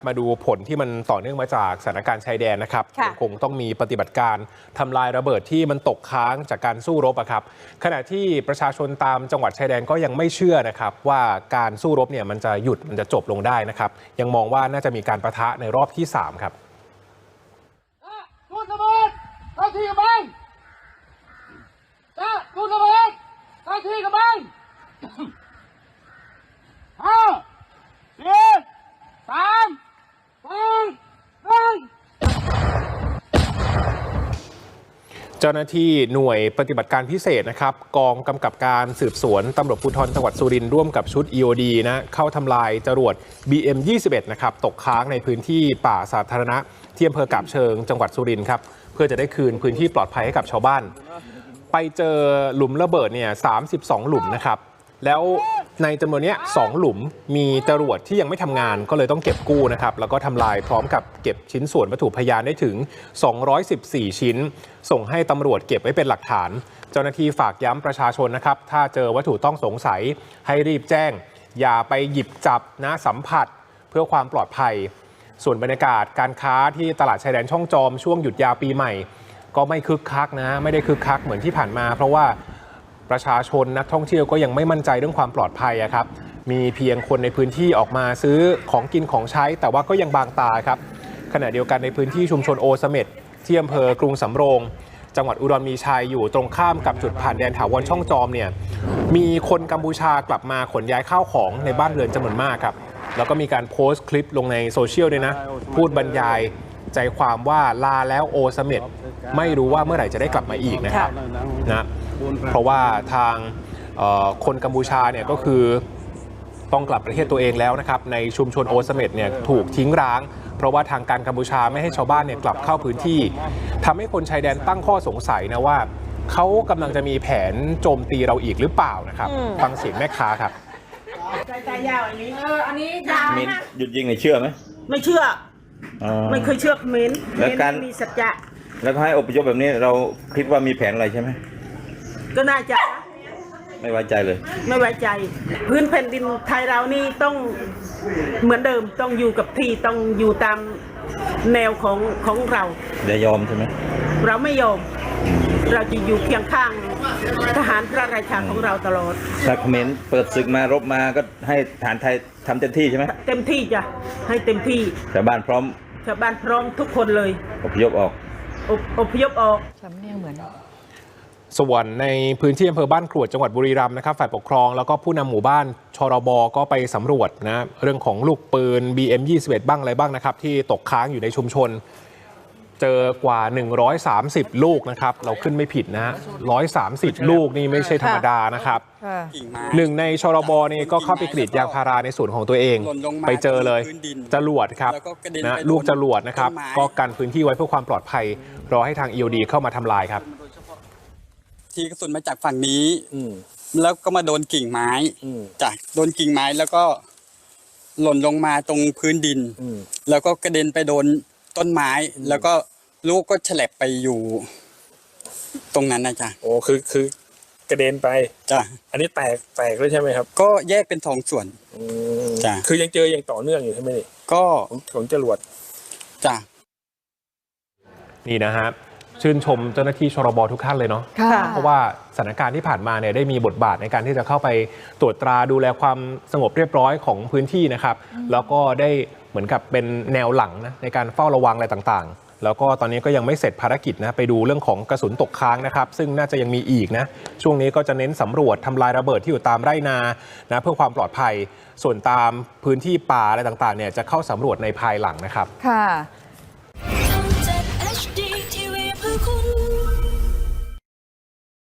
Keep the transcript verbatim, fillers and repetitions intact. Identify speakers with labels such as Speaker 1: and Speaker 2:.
Speaker 1: มาดูผลที่มันต่อเนื่องมาจากสถานการณ์ชายแดนนะครับยังคงต้องมีปฏิบัติการทำลายระเบิดที่มันตกค้างจากการสู้รบครับขณะที่ประชาชนตามจังหวัดชายแดนก็ยังไม่เชื่อนะครับว่าการสู้รบเนี่ยมันจะหยุดมันจะจบลงได้นะครับยังมองว่าน่าจะมีการปะทะในรอบที่สามครับ
Speaker 2: จุดระเบิดเข้าที่กำบังจะจุดระเบิดเข้าที่กำบังห้าสี่สามสองหนึ่ง
Speaker 1: เจ้าหน้าที่หน่วยปฏิบัติการพิเศษนะครับกองกำกับการสืบสวนตำรวจภูธรจังหวัดสุรินทร์ร่วมกับชุด อี โอ ดี นะเข้าทำลายจรวด บี เอ็ม ยี่สิบเอ็ด นะครับตกค้างในพื้นที่ป่าสาธารณะที่อำเภอกาบเชิงจังหวัดสุรินทร์ครับเพื่อจะได้คืนพื้นที่ปลอดภัยให้กับชาวบ้านไปเจอหลุมระเบิดเนี่ยสามสิบสองหลุมนะครับแล้วในจำนวนนี้สองหลุมมีจรวดที่ยังไม่ทำงานก็เลยต้องเก็บกู้นะครับแล้วก็ทำลายพร้อมกับเก็บชิ้นส่วนวัตถุพยานได้ถึงสองร้อยสิบสี่ชิ้นส่งให้ตำรวจเก็บไว้เป็นหลักฐานเจ้าหน้าที่ฝากย้ำประชาชนนะครับถ้าเจอวัตถุต้องสงสัยให้รีบแจ้งอย่าไปหยิบจับนะสัมผัสเพื่อความปลอดภัยส่วนบรรยากาศการค้าที่ตลาดชายแดนช่องจอมช่วงหยุดยาวปีใหม่ก็ไม่คึกคักนะไม่ได้คึกคักเหมือนที่ผ่านมาเพราะว่าประชาชนนักท่องเที่ยวก็ยังไม่มั่นใจเรื่องความปลอดภัยครับมีเพียงคนในพื้นที่ออกมาซื้อของกินของใช้แต่ว่าก็ยังบางตาครับขณะเดียวกันในพื้นที่ชุมชนโอเสเม็ดที่อำเภอกรุงสำโรงจังหวัดอุดรมีชัยอยู่ตรงข้ามกับจุดผ่านแดนถาวรช่องจอมเนี่ยมีคนกัมพูชากลับมาขนย้ายข้าวของในบ้านเรือนจำนวนมากครับแล้วก็มีการโพสต์คลิปลงในโซเชียลด้วยนะพูดบรรยายใจความว่าลาแล้วโอเสเม็ดไม่รู้ว่าเมื่อไหร่จะได้กลับมาอีกนะครับนะเพราะว่าทางคนกัมพูชาเนี่ยก็คือต้องกลับประเทศตัวเองแล้วนะครับในชุมชนโอเสเม็ดเนี่ยถูกทิ้งร้างเพราะว่าทางการกัมพูชาไม่ให้ชาวบ้านเนี่ยกลับเข้าพื้นที่ทำให้คนชายแดนตั้งข้อสงสัยนะว่าเขากำลังจะมีแผนโจมตีเราอีกหรือเปล่านะครับฟังเสียงแม่ค้าครับ
Speaker 3: ใจใจยาวอันนี้เอออันนี้ยาว
Speaker 4: มินหยุดยิงในเชื่อไหม
Speaker 3: ไม่เชื่อไม่เคยเชื่อเม้น
Speaker 4: แล้วการ
Speaker 3: มีสัจจะ
Speaker 4: แล้วให้อพยพแบบนี้เราคิดว่ามีแผนอะไรใช่ไหม
Speaker 3: ก็น่าจะ
Speaker 4: ไม่ไว้ใจเลย
Speaker 3: ไม่ไว้ใจพื้นแผ่นดินไทยเรานี่ต้องเหมือนเดิมต้องอยู่กับที่ต้องอยู่ตามแนวของของเรา
Speaker 4: อย่ายอมใช่ไหม
Speaker 3: เราไม่ยอมเราจะอยู่เคียงข้างทหารพระราชาของเราตลอด
Speaker 4: ถ้าเขมรเปิดศึกมารบมาก็ให้ทหารไทยทำเต็มที่ใช่ไหม
Speaker 3: เต็มที่จ้ะให้เต็มที่
Speaker 4: ชาวบ้านพร้อม
Speaker 3: ชาวบ้านพร้อมทุกคนเลย
Speaker 4: อพยพออก
Speaker 3: อพยพออก
Speaker 5: สำเนียงเหมือน
Speaker 1: ส่วนในพื้นที่อำเภอบ้านกรวดจังหวัดบุรีรัมย์นะครับฝ่ายปกครองแล้วก็ผู้นำหมู่บ้านชรบก็ไปสำรวจนะเรื่องของลูกปืน บี เอ็ม ยี่สิบเอ็ด บ้างอะไรบ้างนะครับที่ตกค้างอยู่ในชุมชนเจอกว่าหนึ่งร้อยสามสิบลูกนะครับเราขึ้นไม่ผิดนะหนึ่งร้อยสามสิบลูกนี่ไม่ใช่ธรรมดานะครับหนึ่งในชรบนี่ก็เข้าไปกรีดยางพาราในสวนของตัวเองไปเจอเลยจรวดครับนะลูกจรวดนะครับก็กันพื้นที่ไว้เพื่อความปลอดภัยรอให้ทาง อี โอ ดี เข้ามาทำลายครับ
Speaker 6: ที่กระสุนมาจากฝั่งนี้แล้วก็มาโดนกิ่งไม้จากโดนกิ่งไม้แล้วก็หล่นลงมาตรงพื้นดินแล้วก็กระเด็นไปโดนต้นไม้แล้วก็ลูกก็ฉลับไปอยู่ตรงนั้นนะจ๊ะ
Speaker 7: โอ้คือคือกระเด็นไป
Speaker 6: จ้ะ
Speaker 7: อันนี้แตกแตกเลยใช่ไหมครับ
Speaker 6: ก็แยกเป็นสองส่วนจ้ะ
Speaker 7: คือยังเจออย่างต่อเนื่องอยู่ใช่ไหมนี่
Speaker 6: ก็
Speaker 7: ของจรวด
Speaker 6: จ้ะ
Speaker 1: นี่นะฮะชื่นชมเจ้าหน้าที่ชรบทุกท่านเลยเนาะเพราะว่าสถานการณ์ที่ผ่านมาเนี่ยได้มีบทบาทในการที่จะเข้าไปตรวจตราดูแลความสงบเรียบร้อยของพื้นที่นะครับแล้วก็ได้เหมือนกับเป็นแนวหลังนะในการเฝ้าระวังอะไรต่างๆแล้วก็ตอนนี้ก็ยังไม่เสร็จภารกิจนะไปดูเรื่องของกระสุนตกค้างนะครับซึ่งน่าจะยังมีอีกนะช่วงนี้ก็จะเน้นสำรวจทำลายระเบิดที่อยู่ตามไร่นานะเพื่อความปลอดภัยส่วนตามพื้นที่ป่าอะไรต่างๆเนี่ยจะเข้าสำรวจในภายหลังนะครับ
Speaker 5: ค่ะ
Speaker 8: คุณ